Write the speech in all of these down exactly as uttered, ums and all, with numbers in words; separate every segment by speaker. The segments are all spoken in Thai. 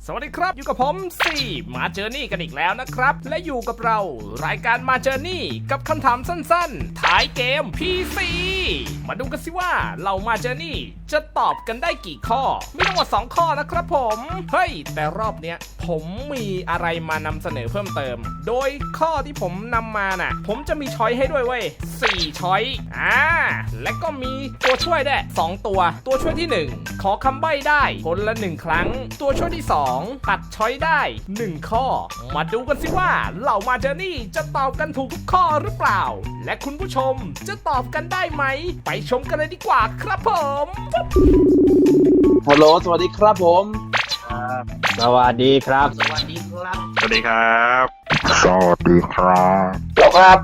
Speaker 1: สวัสดีครับอยู่กับผมสี่มาเจอร์นี่กันอีกแล้วนะครับและอยู่กับเรารายการมาเจอร์นี่กับคำถามสั้นๆท้ายเกม พี ซี มาดูกันสิว่าเรามาเจอร์นี่จะตอบกันได้กี่ข้อมีทั้งหมดสองข้อนะครับผมเฮ้ยแต่รอบเนี้ยผมมีอะไรมานำเสนอเพิ่มเติมโดยข้อที่ผมนำมาน่ะผมจะมีช้อยให้ด้วยเว้ยสี่ช้อยอ่าและก็มีตัวช่วยได้วยสองตัวตัวช่วยที่หนึ่งขอคำใบ้ได้คนละหนึ่งครั้งตัวช่วยที่สองตัดช้อยได้หนึ่งข้อมาดูกันสิว่าเหล่ามาเจอร์นี่จะตอบกันถูกทุกข้อหรือเปล่าและคุณผู้ชมจะตอบกันได้ไหมไปชมกันเลยดีกว่าครับผม
Speaker 2: ฮัลโหลสวัสดีครับผม
Speaker 3: สวัสดีครับ
Speaker 2: สวัสดีครับ
Speaker 4: สวัสดีครับ
Speaker 3: สวัสดีครับ
Speaker 2: จบครับ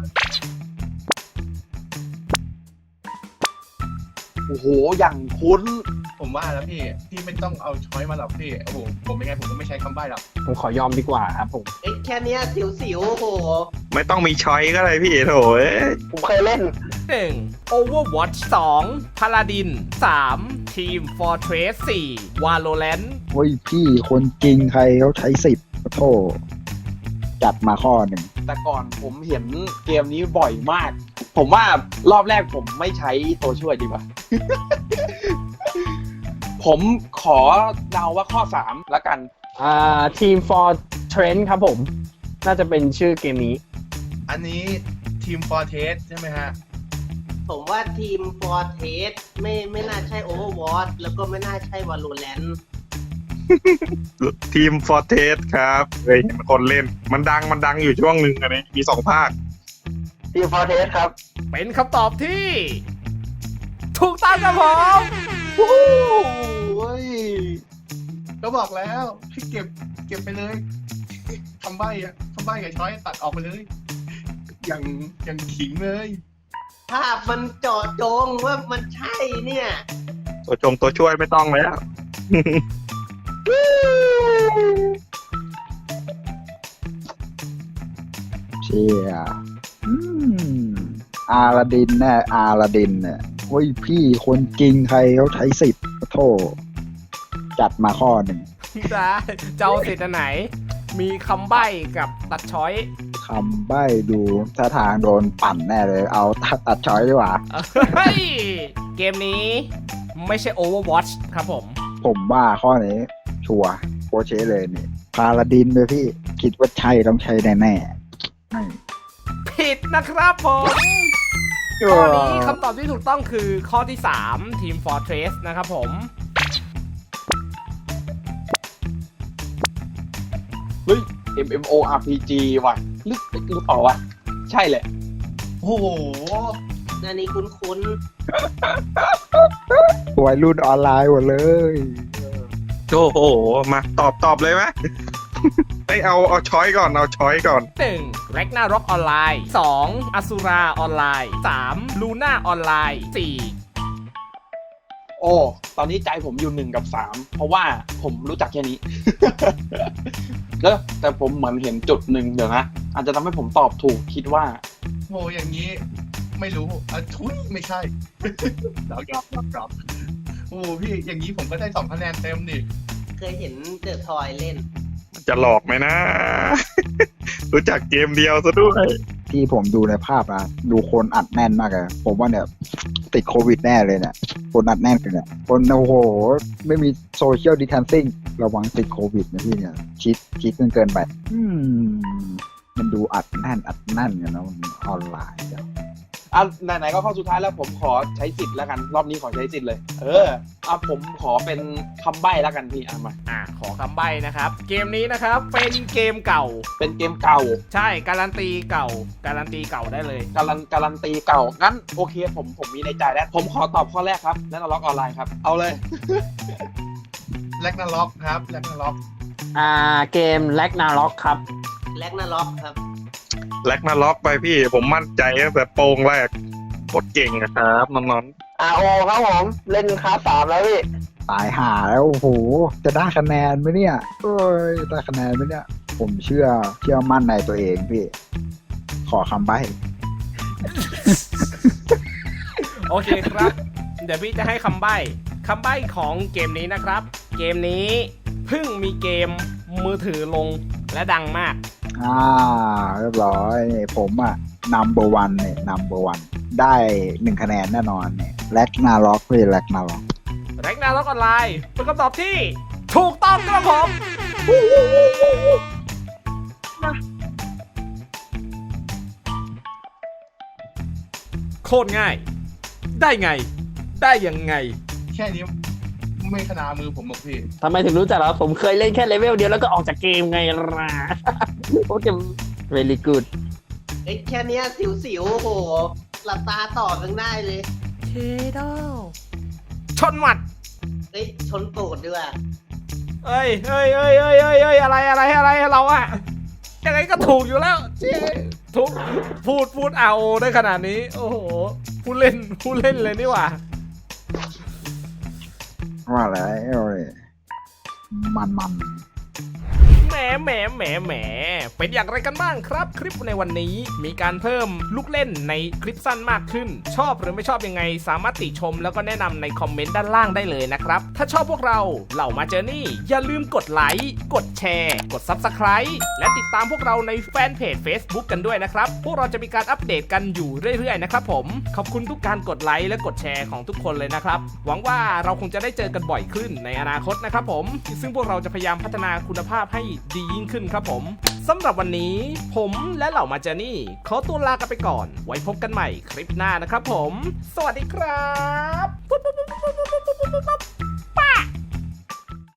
Speaker 2: โอ้โหอย่างคุ้น
Speaker 4: ผมว่าแล้วพี่พี่ไม่ต้องเอาช้อยมาหรอกพี่โอ้โหผมเป็นไงผมก็ไม่ใช้คำใบ้หรอก
Speaker 3: ผมขอยอมดีกว่าครับผม
Speaker 5: เอ้แค่เนี้ยสิวๆโอ้โห
Speaker 4: ไม่ต้องมีช้อยก็เลยพี่โถเอ้ย
Speaker 5: ผมเคยเล่น
Speaker 1: หนึ่ง Overwatch สอง Paladin สาม Team Fortress สี่ Valorant
Speaker 6: โอ้ยพี่คนจริงใครเขาใช้สิบโทษจัดมาข้อหนึ่ง
Speaker 2: แต่ก่อนผมเห็นเกมนี้บ่อยมากผมว่ารอบแรกผมไม่ใช้ตัวช่วยดีกว่า ผมขอเดาว่าข้อสามละกัน
Speaker 3: อ่า Team for Trend ครับผมน่าจะเป็นชื่อเกมนี้
Speaker 4: อันนี้ทีมฟอร์เทสใช่ไหมฮะ
Speaker 5: ผมว่าทีมฟอร์เทสไม่ไม่น่าใช่ Overwatch แล้วก็ไม่น่าใช่ Valorant
Speaker 4: ทีมฟอร์เทสครับเคยเห็นคนเล่นมันดังมันดังอยู่ช่วงหนึ่งอันนี้มีสองภาค
Speaker 5: ทีมฟอร์เทสครับ
Speaker 1: เป็นคำตอบที่ถูกต้องครับผม
Speaker 2: โอ้ย
Speaker 4: ก็บอกแล้วให้เก็บเก็บไปเลยคำใบ้อะคำใบ้กับช้อยตัดออกไปเลยอย่างอย่างขิงเลย
Speaker 5: ภาพมันเจาะจงว่ามันใช่เนี่ย
Speaker 4: ตัวจงตัวช่วยไม่ต้องแล้ว
Speaker 6: เชี่ยอืมอาลาดินแน่อาลาดินเนี่ยโอ้ยพี่คนจริงใครเขาใช้สิบโทษจัดมาข้อหนึ่ง
Speaker 1: ได้จะเอาสิทธิ์อันไหนมีคำใบ้กับตัดช้อย
Speaker 6: คำใบ้ดูท่าทางโดนปั่นแน่เลยเอาตัดช้อยดีกว่า
Speaker 1: เฮ้ยเกมนี้ไม่ใช่ Overwatch ครับผม
Speaker 6: ผมว่าข้อนี้ชัวร์โคเชเลยนี่พาลาดินเลยพี่คิดว่าใช่ต้องใช่แน่ๆ
Speaker 1: ผิดนะครับผมข้อนี้คำตอบที่ถูกต้องคือข้อที่สาม Team Fortress นะครับผม
Speaker 2: เฮ้ย เอ็ม เอ็ม โอ อาร์ พี จี ว่ะลึกหรือเปล่าวะใช่แหละ
Speaker 4: โอ้โห
Speaker 5: อันนี้คุ้น
Speaker 6: ๆวัยรุ่นออนไลน์หมดเลย
Speaker 4: โอ้โหมาตอบตอบเลยไหมไอเอาเอาช้อยก่อนเอาช้อยก่อน
Speaker 1: หนึ่ง Ragnarok ออนไลน์สอง Asura ออนไลน์สาม Luna ออนไลน์สี่
Speaker 2: โอ้ตอนนี้ใจผมอยู่หนึ่งกับสามเพราะว่าผมรู้จักแค่นี้ แล้วแต่ผมเหมือนเห็นจุดหนึ่งเดี๋ยวนะอาจจะทำให้ผมตอบถูกคิดว่า
Speaker 4: โอ้อย่างนี้ไม่รู้อ่ะทุยไม่ใช่แล้วยอมยอมยอมโอ้พี่อย่างนี้ผมก็ได้สองคะแนนเต็มดิ
Speaker 5: เคยเห็นเดอะทอยเล่น
Speaker 4: จะหลอกไหมนะ รู้จักเกมเดียวซะด้วย
Speaker 6: ที่ผมดูในภาพนะดูคนอัดแน่นมากเลยผมว่าเนี่ยติดโควิดแน่เลยเนี่ยคนอัดแน่นกันเนี่ยคนโอ้โหไม่มีโซเชียลดิสแทนซิ่งระวังติดโควิดนะพี่เนี่ยชิดชิดเกินเกินไปอืมมันดูอัดแน่นอัดแน่นกันนะมันออนไลน์
Speaker 2: อ่ะไหนๆก็เข้าสุดท้ายแล้วผมขอใช้สิทธิ์แล้วกันรอบนี้ขอใช้สิทธิ์เลยเอออ่ะผมขอเป็นคำใบ้แล้วกันพี่อ่ะมา
Speaker 1: อ่ะขอคำใบ้นะครับเกมนี้นะครับเป็นเกมเก่า
Speaker 2: เป็นเกมเก่า
Speaker 1: ใช่การันตีเก่าการันตีเก่าได้เลย
Speaker 2: การันการันตีเก่างั้นโอเคผมผมมีในใจแล้วผมขอตอบข้อแรกครับแร็กนาร็อกออนไลน์ครับเอาเลย
Speaker 4: แร็กนาร็อกครับแร็กนาร็อก
Speaker 3: อ่าเกมแร็กนาร็อกครับ
Speaker 5: แร็กนาร็อกครับ
Speaker 4: แร็กนาร็อกไปพี่ผมมั่นใจตั้งแต่โปงแรกโคตรเก่งนะครับน้อง
Speaker 5: ๆ อาร์ โอ ครับผมเล่นคลาสสามแล้วพี่
Speaker 6: ตายห่าแล้วโอ้โหจะได้คะแนนไหมเนี่ยเอ้ยได้คะแนนไหมเนี่ยผมเชื่อเชื่อมั่นในตัวเองพี่ขอคำใบ้
Speaker 1: โอเคครับเดี๋ยวพี่จะให้คำใบ้คำใบ้ของเกมนี้นะครับเกมนี้เพิ่งมีเกมมือถือลงและดังมาก
Speaker 6: อ่าเรียบร้อยนี่ผมอ่ะ number one เนี่ย number one ได้หนึ่งคะแนนแน่นอนเนี่ยแล็กนาล็อกพี่แล็กนาล็อก
Speaker 1: แร็กนาล็อกออนไลน์เป็นคำตอบที่ถูกต้องครับผม โคตรง่าย ได้ไง ได้ยังไง
Speaker 4: แค่นี้ไม่ขนามือผมหรอกพี่
Speaker 3: ทำไมถึงรู้จักแล้วผมเคยเล่นแค่เลเวลเดียวแล้วก็ออกจากเกมไงล่ะ โอเค very good
Speaker 5: ไอ้แค่เนี้ยสิวๆโอ้โหหลับตาต่อกันได้เลย
Speaker 1: เคโดชนหมัด
Speaker 5: เอ้ยชนตูดด้วย
Speaker 1: เอ้ยเอ้ยเอ้ยเอ้ยเอ้ยเอ้ยอะไรอะไรอะไรเราอะยังไงก็ถูกอยู่แล้วเจ๊ถูกพูดพูดเอาได้ขนาดนี้ โอ้โหผู้เล่นผู้เล่นเลยนี่หว่า
Speaker 6: ว่าแล้วเลยมันมัน
Speaker 1: แหมแหมแหมแหมเป็นอย่างไรกันบ้างครับ คลิปในวันนี้มีการเพิ่มลูกเล่นในคลิปสั้นมากขึ้น ชอบหรือไม่ชอบยังไงสามารถติชมแล้วก็แนะนำในคอมเมนต์ด้านล่างได้เลยนะครับ ถ้าชอบพวกเราเหล่ามาเจอนี่อย่าลืมกดไลค์กดแชร์ กด ซับสไครบ์ และติดตามพวกเราในแฟนเพจ Facebook กันด้วยนะครับ พวกเราจะมีการอัปเดตกันอยู่เรื่อยๆนะครับผมขอบคุณทุกการกดไลค์และกดแชร์ของทุกคนเลยนะครับหวังว่าเราคงจะได้เจอกันบ่อยขึ้นในอนาคตนะครับผมซึ่งพวกเราจะพยายามพัฒนาคุณภาพให้ดียิ่งขึ้นครับผมสำหรับวันนี้ผมและเหล่ามาเจอนี่ขอตัวลากันไปก่อนไว้พบกันใหม่คลิปหน้านะครับผมสวัสดีครับปุ๊บปุ๊บปุ๊บปุ๊บปุ๊บปุ๊บปุ๊บปุ๊บป๊ะ